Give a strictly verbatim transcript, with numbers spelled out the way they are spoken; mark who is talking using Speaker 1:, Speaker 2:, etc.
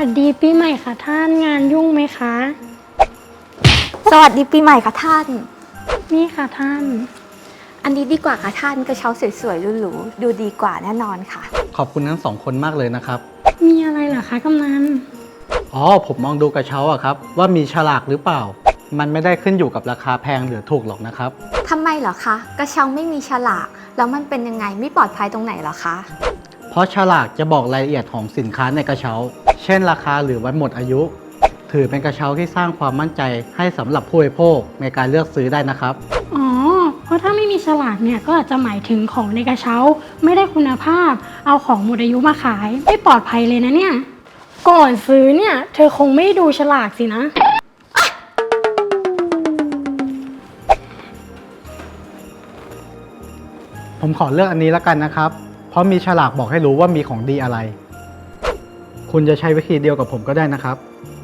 Speaker 1: สดีปีใหม่ค่ะท่านงานยุ่งไหมคะ
Speaker 2: สวัสดีปีใหม่ค่ะท่าน
Speaker 1: นี่ค่ะท่าน
Speaker 2: อันนี้ดีกว่าค่ะท่านกระเช้าสวยๆหรูๆดูดีกว่าแน่นอนค่ะ
Speaker 3: ขอบคุณทั้งสองคนมากเลยนะครับ
Speaker 1: มีอะไรเหรอคะกำนัน
Speaker 3: อ๋อผมมองดูกระเช้าอะครับว่ามีฉลากหรือเปล่า มันไม่ได้ขึ้นอยู่กับราคาแพงหรือถูกหรอกนะครับ
Speaker 2: ทำไมเหรอคะ กระเช้าไม่มีฉลากแล้วมันเป็นยังไงไม่ปลอดภัยตรงไหนเหรอคะ
Speaker 3: เพราะฉลากจะบอกรายละเอียดของสินค้าในกระเช้า เช่นราคาหรือวันหมดอายุ ถือเป็นกระเช้าที่สร้างความมั่นใจให้สำหรับผู้บริโภคในการเลือกซื้อได้นะครับ
Speaker 1: อ๋อ เพราะถ้าไม่มีฉลากเนี่ยก็อาจจะหมายถึงของในกระเช้าไม่ได้คุณภาพ เอาของหมดอายุมาขายไม่ปลอดภัยเลยนะเนี่ย ก่อนซื้อเนี่ยเธอคงไม่ดูฉลากสินะ
Speaker 3: ผมขอเลือกอันนี้แล้วกันนะครับ เพราะมีฉลากบอกให้รู้ว่ามีของดีอะไร คุณจะใช้วิธีเดียวกับผมก็ได้นะครับ